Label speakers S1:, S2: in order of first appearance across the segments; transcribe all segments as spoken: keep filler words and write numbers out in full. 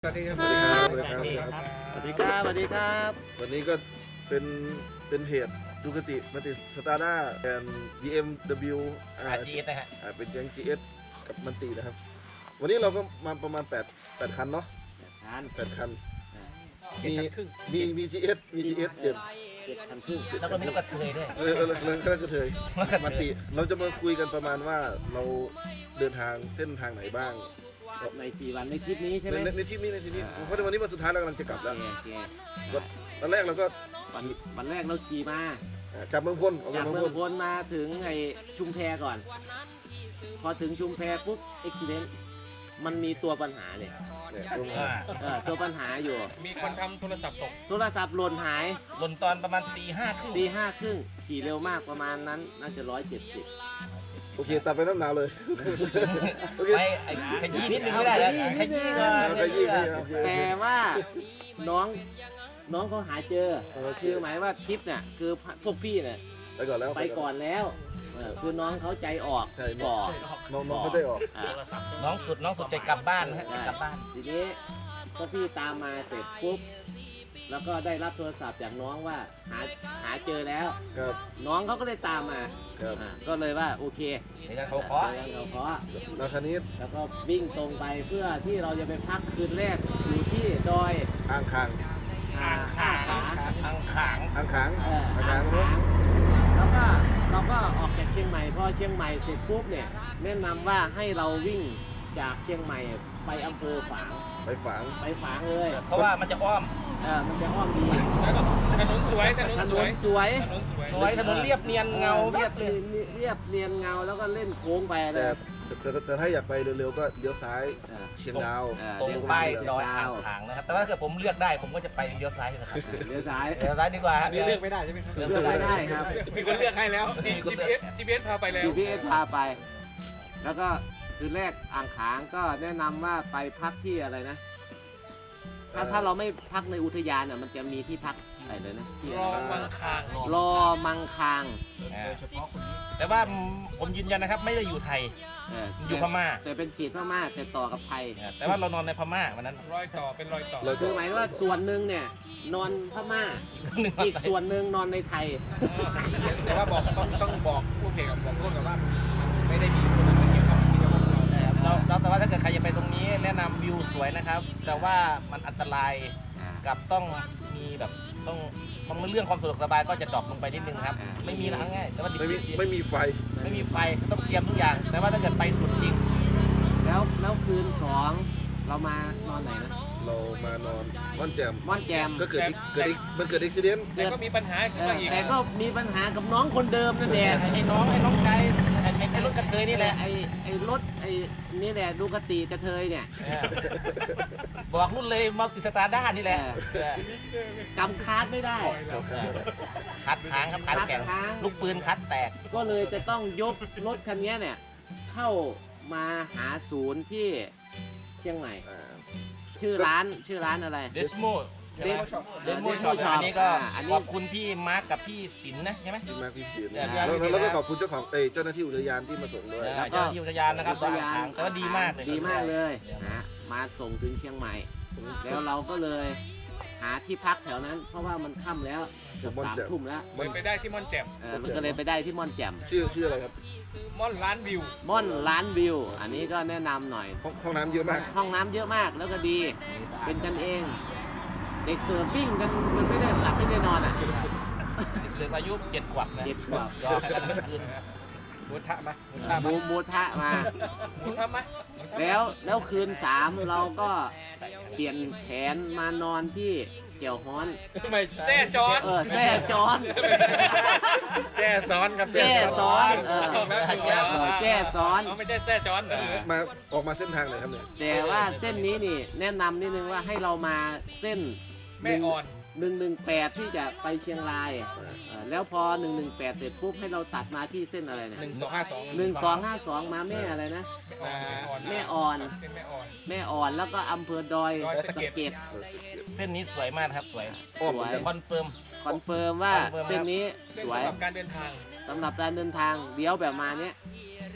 S1: สวัสดีครับ
S2: สวัสดีครับสวัสดีครับ
S3: สวัสดีครับ
S2: วันนี้ก็เป็นเป็นเพจดูคติมาติสตาร์ด้าแอน บี เอ็ม ดับเบิลยู อ่า
S1: อาร์ จี เอส นะฮะ
S2: อ่าเป็นแก๊ง จี เอส กับมันตินะครับ วันนี้เราก็มาประมาณ8 8คันเนาะ
S3: ทาน
S2: แปดคัน
S1: เจ็ด
S2: มี
S1: คันครึ่ง
S2: มีมี จี เอส มี จี เอส เจ็ด
S3: เจ็ดพันครึ่ง
S1: แล้วก็มีลูกกระเทยด้วย
S2: เออเออเรื่องก็กระเทยมันติเราจะมาคุยกันประมาณว่าเราเดินทางเส้นทางไหนบ้าง
S3: ในสี่วันในคลิปนี้ใช่ไห
S2: ใน
S3: ม
S2: ในในทริปนี้ในทริปนี้
S3: อ่า
S2: เพราะในวันนี้วันสุดท้ายเรากำลังจะกลับ
S3: โอ
S2: แล้ว
S3: เคโอเค
S2: วันแรกเราก็
S3: วันวันแรกเราขี่มา
S2: อ่าจากเมืองพลออก
S3: จา
S2: จาก ก
S3: เมื
S2: เมื
S3: อ
S2: อง ง
S3: พ
S2: พล
S3: ลมาถึงไอ้ชุมแพก่อน พอถึงชุมแพปุ๊บอุบิเหตุมันมีตัวปัญหาเนี่ย
S2: เนี่ยตรงนี้
S1: อ่า
S3: เออตัวปัญหาอยู่
S1: มีคนทำโทรศัพท์ตก
S3: โทรศัพท์หล่นหาย
S1: หล่นตอนประมาณตีห้าครึ่ง
S3: ตีห้าครึ่งขี่เร็วมากประมาณนั้นน่าจะร้อยเจ็ดสิบ
S2: โอเคตัดไปน้ำหนาวเลยโอเค
S1: ไปไอ้ขยี้นิดนึงไม่ได้แล้วขยี้ก่อน
S2: เอาขยี้ขยี้โอเค
S3: แต่ว่าน้องน้องเขาหาเจอ
S2: โอเค
S3: คือหมายว่าทริปเนี่ยคือพวกพี่เนี่ย
S2: ไปก่อนแล้ว
S3: ไปก่อนแล้วเออคือน้องเขาใจออก
S2: ใช่
S3: ก่อน
S2: น้องน้องเขาได้ออก
S3: อ่ะ
S1: น้องสุดน้องสุดใจกลับบ้านนะฮะกลับบ้าน
S3: ทีนี้พวกพี่ตามมาเสร็จปุ๊บแล้วก็ได้รับโทรศัพท์จากน้องว่าหาหาเจอแล้ว
S2: ครับ
S3: น้องเขาก็เลยตามมา
S2: ครับ
S3: อ่ะก็เลยว่าโอเค
S1: เดี๋ยวจะเขาขอ
S3: เจอกันเขาเคาะ
S2: นาคานิด
S3: แล้วก็วิ่งตรงไปเพื่อที่เราจะไปพักคืนแรกอยู่ที่ดอย
S2: อ่างคาง
S3: อ่า
S1: อ่าง
S3: อ่า
S1: ขาง
S3: ขา
S1: อ่างขาง
S2: อ่างขาง
S3: เออ
S2: อ่าง
S3: อ่า
S2: ขาง
S3: ง
S2: รถ
S3: แล้วก็เราก็ออกจากเชียงใหม่พอเชียงใหม่เสร็จปุ๊บเนี่ยแนะนำว่าให้เราวิ่งจากเชียงใหม่ไปอำเภอฝาง
S2: ไปฝาง
S3: ไปฝางเลย
S1: เพราะว่ามันจะอ้อม
S3: เออมันจะอ้อมดี
S4: ถนนสวยถนน
S3: ถ
S4: ส
S3: น
S4: วย
S3: นสวย
S4: ถนนสวย
S1: สวยถนนเรียบเนียนเงา
S3: เรี
S1: เรี
S3: ย
S1: ย
S3: บบ
S1: เลย
S3: เรียบเนียนเงาแล้วก็เล่นโค้งไปเล
S2: แต่
S3: ย
S2: แต่แต่แต่ถ้าอยากไปเร็วๆก็เลี้ยวซ้าย
S3: เออ
S2: เชียงดาว
S3: เออ
S1: ตรง
S3: เลี้ยว
S1: ไป
S3: ซ้าย
S1: ดอยอ่างขางนะครับแต่ว่าถ้าเกิดผมเลือกได้ผมก็จะไปเลี้ยวซ้ายนะครับ
S3: เลี้ยวซ้าย
S1: เลี้ยวซ้ายดีกว่า
S4: อันนี้เลือกไม่ได้ใช่ไหมครับ
S3: เลือกไม่ได้ครับ
S4: มีคนเลือกให้แล้ว จีพีเอส จีพีเอสพาไปแล้ว
S3: จี พี เอส พาไป แล้วก็คืนแรกอ่างขางก็แนะนำว่าไปพักที่อะไรนะ ถ้าถ้าเราไม่พักในอุทยานเนี่ยมันจะมีที่พักอะไรเลยนะที่
S4: รอมังคาง
S3: รอมังคาง
S1: อ่าแต่ว่าผมยืนยันนะครับไม่ได้อยู่ไทย
S3: เออ
S1: อยู่พม่า
S3: แต่เป็นเขตพม่าแต่ต่อกับไทย
S1: แต่ว่าเรานอนในพม่าวันนั้น
S4: รอยต่อเป็นรอยต่อ
S2: แล้วก็
S3: คือหมายว่าส่วนหนึ่งเนี่ยนอนพม่า
S1: หนึ่ง
S3: อีกส่วนหนึ่งนอนในไทย
S4: แต่ว่าบอกต้องต้องบอกผู้เพจกับบอกร่วมกับว่าไม่ได้มีคนมาเกี่ยวกับที่เราเรา
S1: เราแต่ว่าถ้าเกิดใครจะไปตรงนี้แนะนำวิวสวยนะครับ แต่ว่ามันอันตรายกับต้องมีแบบต้องมันเรื่องความสะดวกสบายก็จะดรอปลงไปนิดนึงครับ ไม่มีนะง่ายแต่ว่าดิบ
S2: ไม่มี
S1: ๆ
S2: ไม่มีไฟ
S1: ไม่มีไฟต้องเตรียมทุกอย่าง แต่ว่าถ้าเกิดไปสุดจริง
S3: แล้วแล้วคืนสองเรามานอนไหนนะ
S2: เรามานอนม่อนแจม
S3: ม่อนแจม
S2: ก็เกิดเกิดมันเกิดอุบิเหตุ
S4: แต่ก็มีปัญหาขึ้น
S3: เอ
S4: มา
S3: อ
S4: อีก
S3: แต่ก็มีปัญหากับน้องคนเดิมนั่นแหละ
S1: ไอ้น้องไอ้น้องชายไอ้ไอ้ไอ้รถกระเทยนี่แหละ
S3: ไอ้ไอ้รถไอ้นี่แหละดูกติกระเทยเนี่ย
S1: เออบอกรุ่นเลยมัลติสตาร์ด้านี่แหละ
S3: เออ กำคาร์ดไม่ได้
S1: คัดค้างครับคัดแข่ง
S3: คัดค้าง
S1: ลูกปืนคัดแตก
S3: ก็เลยจะต้องยกรถคันนี้เนี่ย เข้ามาหาศูนย์ที่เชียงใหม่
S2: อ่า
S3: ชื่อร้านชื่อร้านอะไร
S1: เดสโม
S3: เดส
S1: เดสโม
S3: Desmo
S1: ช็อป
S3: Shop
S1: อันนี้ก็
S3: อ่าอันนี้
S1: ขอบคุณพี่มาร์กกับพี่สินนะใช่ไหม
S2: ที่มาที่สิน
S1: เดี๋ยว
S2: แล้ว
S1: เดี๋ยว
S2: แล้วก็ขอบคุณเจ้าของเอยเจ้าหน้าที่อุทยานที่มาส่งด้วย
S1: เออเจ้าหน้าที่อุทยานนะครับ
S3: อุทยาน
S1: ทางแต่ว่าดีมากเลย
S3: ดีมากเลยนะมาส่งถึงเชียงใหม่ แล้วเราก็เลยหาที่พักแถวนั้น เพราะว่ามันค่ำแล้วเกือบสามทุ่มแล้ว
S4: เลยไปได้ที่ม่อนแจ่ม
S3: เออมันก็เลยไปได้ที่ม่อนแจ่ม
S2: ชื่อชื่ออะไรครับ
S4: ม่อนร้านวิว
S3: ม่อนร้านวิว อันนี้ก็แนะนำหน่อย
S2: ห้องห้องน้ำเยอะมาก
S3: ห้องน้ำเยอะมากแล้วก็ดี เป็นกันเอง เด็กเสิร์ฟวิ่งกันมันไม่ได้หลับไม่ได้นอนอ่ะ
S1: เด็กอายุเจ็ดขวบนะ
S3: เจ็ดขวบ
S1: ยอมกันทั้งคืน
S4: หมูทะไหมหมูทะ
S3: หมูหมูทะมา
S4: หมูทะไหม
S3: แล้วแล้วคืนสามเราก็เปลี่ยนแผนมานอนที่เกี่ยวฮ้อน
S4: ไม่แซ่จอน
S3: เออแซ่จอน
S4: แจ้ซ้อนครับ
S3: แจ้ซ้อนเออ
S4: เออ
S3: แจ้ซ้อน
S4: ไม่ใช่แซ่จอนเหรอ
S2: มาออกมาเส้นทางไหนครับเนี่ย
S3: แต่ว่าเส้นนี้นี่แนะนำนิดนึงว่าให้เรามาเส้น
S4: แม่อ่อน
S3: หนึ่งหนึ่งแปดที่จะไปเชียงรายเออแล้วพอหนึ่งหนึ่งแปดเสร็จปุ๊บให้เราตัดมาที่เส้นอะไรเนี่ย
S4: หนึ่งสองห้าสอง
S3: หนึ่งสองห้าสองมาแม่อะไรนะ แม่อ่อน
S4: เป็นแม่อ่อน
S3: แม่อ่อนแล้วก็อำเภอดอย
S4: ดอย
S3: สะ
S4: สะเก็ด
S3: เก็ด
S1: เส้นนี้สวยมากนะครับสวย
S2: อ้อม
S3: สวย
S2: เหมือนกัน
S1: คอนเฟิร์ม
S3: คอนเฟิร์มว่า
S1: คอนเฟิร์มครับ
S3: เส้นนี้
S4: เป็น
S3: สวย
S4: สำหรับการเดินทาง
S3: สำหรับการเดินทางเลี้ยวแบบมาเนี้ย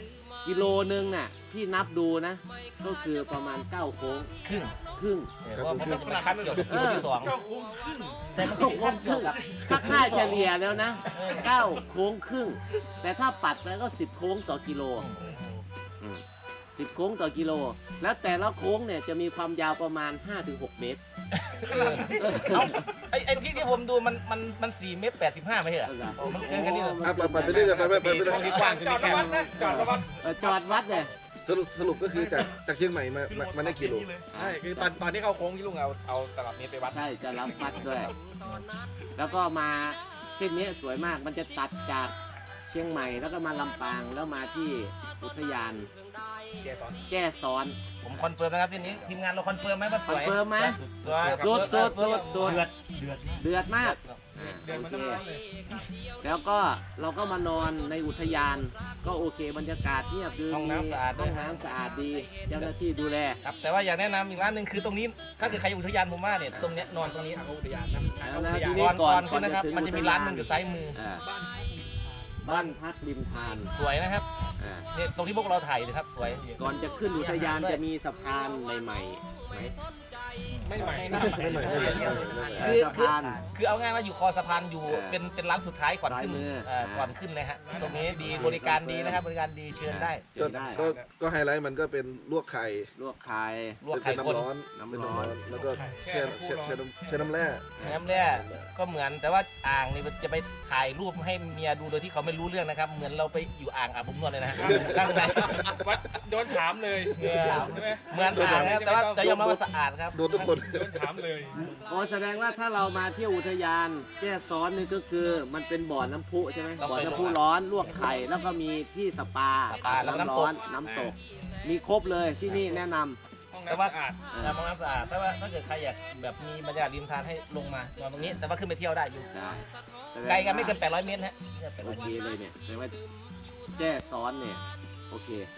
S3: กิโลนึงน่ะที่นับดูนะ ก็คือประมาณเก้าโค้ง
S1: ครึ่ง
S3: ครึ่ง
S1: เพราะว่ามันเป็นคัดเกี่ยวกับกิโลที่สอง
S4: เก้าคุ้มครึ่ง
S1: แต่มันเป็นคัดเกี่ยวกับ
S3: ถ้าค่าเฉลี่ยแล้วนะเก้าโค้งครึ่ง แต่ถ้าปัดแล้วก็สิบโค้งต่อกิโลสิบโค้งต่อกิโล แล้วแต่ละโค้งเนี่ยจะมีความยาวประมาณ ห้าถึงหก เมตร
S1: เอาไอ้ไอ้ที่ที่ผมดูมันมันมันสี่เมตรแปดสิบห้าไม่ใช่เหรอ
S3: เอาล่ะ
S1: โอ้มันเกินกันนี่เหรอ
S2: อ่ะไปไปไปเรื่อยๆไปไปไปไปเรื่อย
S4: ที่กว้างจะมีแค่จอดระวัง
S3: เออจอดวัดเลย
S2: ๆสรุปสรุปก็คือจากจากเชียงใหม่มามามาได้กี่โล
S4: ใช่คือตอนตอนที่เข้าโค้งที่ลุงเอาเอาตลับเมตรไปวัด
S3: ใช่จะรับวัดด้วย แล้วก็มาเส้นนี้สวยมาก มันจะตัดจากเชียงใหม่แล้วก็มาลำปางแล้วมาที่อุทยาน
S4: แกสอน
S3: แก้ซ้อน
S1: ผมคอนเฟิร์มนะครับทีนี้ทีมงานเราคอนเฟิร์มไหมว่าสวย
S3: คอนเฟิร์มไหม
S1: สวย
S3: สุดสุดสุดสุด
S1: เดือดเดือด
S3: เดือดมาก
S4: เดิน
S3: โอ
S4: มา
S3: เค
S4: ตั้งร้านเลย
S3: แล้วก็เราก็มานอนในอุทยาน ก็โอเคบรรยากาศเงียบดี
S1: ห้องน้ำสะอาดด้
S3: ห้
S1: ว
S3: อย งน้ำสะอาดดี เจ้าหน้าที่ดูแล
S1: ครับแต่ว่าอยากแนะนำอีกร้านหนึ่งคือตรงนี้ถ้าเกิดใครอยู่อุทยานผมว่าเนี่ยตรงเนี้ยนอนตรงนี้
S4: ทางอุทยานนะทาง
S3: แล้ว
S4: อุ
S3: นะ
S4: ทยาน
S3: ที
S1: ก่อน
S3: ก่
S1: ก่
S3: อ
S1: อน นขึ้นนะครับ
S3: ก่อนจะถึง
S1: มันจะมีร้านหนึ่งอยู่ซ้ายมือ
S3: อ่า
S4: บ้าน
S3: บ้านพักริมทาน
S1: สวยนะครับ
S3: อ่า
S1: เนี่ยตรงที่พวกเราถ่ายนะครับสวย
S3: ก่อนจะขึ้นอุทยานจะมีสะพานใหม่ๆไหม
S4: ไม่ใหม่
S2: ไม่ใหม่ไม่ใหม่ไม่ใหม่ไม่ใหม่
S3: เออสะพาน
S1: คือเอาง่ายว่าอยู่คอสะพานอยู่
S3: เออ
S1: เป็นเป็นร้านสุดท้ายก่อนขึ้น
S3: ซ้ายมือ
S1: เอ่อ
S3: อ่า
S1: ก่อนขึ้นเลยฮะตรงนี้ดีบริการดีนะครับบริการดีเชิญได้
S3: เชิญได้
S2: ก็ก็ไฮไลท์มันก็เป็นลวกไข่
S3: ลวกไข่
S1: ลวก
S2: เป็
S1: ไข่
S2: น
S1: คน
S2: น้ำร้อน
S3: น้ำ
S2: เป็น
S3: ร้
S2: น้ำ
S3: อ
S2: ร้อน นแล้วก็แช่แช่แช่น้ำแช่น้ำแร่
S1: น้ำแร่ก็เหมือนแต่ว่าอ่างนี่จะไปถ่ายรูปให้เมียดูโดยที่เขาไม่รู้เรื่องนะครับ เหมือนเราไปอยู่อ่างอาบอบนวดเลยนะฮะข้างใน
S4: วัดโดนถามเลย
S1: เหมือน
S4: ใช่ไหม
S1: เหมือนอ่างนะครับแต่ว่าแต่ยอมรับว่าสะอาดครับ
S2: โดนทุกคน
S4: โดนถามเลย
S3: โอ้แสดงว่าถ้าเรามาเที่ยวอุทยานแก้ซ้อนนี่ก็คือมันเป็นบ่อน้ำพุใช่ไหม
S1: ต้อง
S3: บ่อ
S1: ไป
S3: น้ำพุร้อนลวกไข่แล้วก็มีที่สปา
S1: สปาแล้วก็น้ำตก
S3: ร้อนน้ำตก มีครบเลยที่นี่แนะน
S4: ห้อง
S1: แต่
S4: น้ำ
S1: ว่า
S4: สะอาด
S3: ำ
S1: แต่มองน้ำสะอาดแต่ว่าถ้าเกิดใครอยากแบบมีบรรยากาศริมทานให้ลงมานอนตรงนี้ แต่ว่าขึ้นไปเที่ยวได้อยู่
S3: ได้แสดง
S1: ไกลกันไม่เกิน
S3: ว่า
S1: แปดร้อยเมตรฮะ
S3: โอเคเลยเนี่ยแสดงว่าแก้ซ้อนเนี่ยโอเค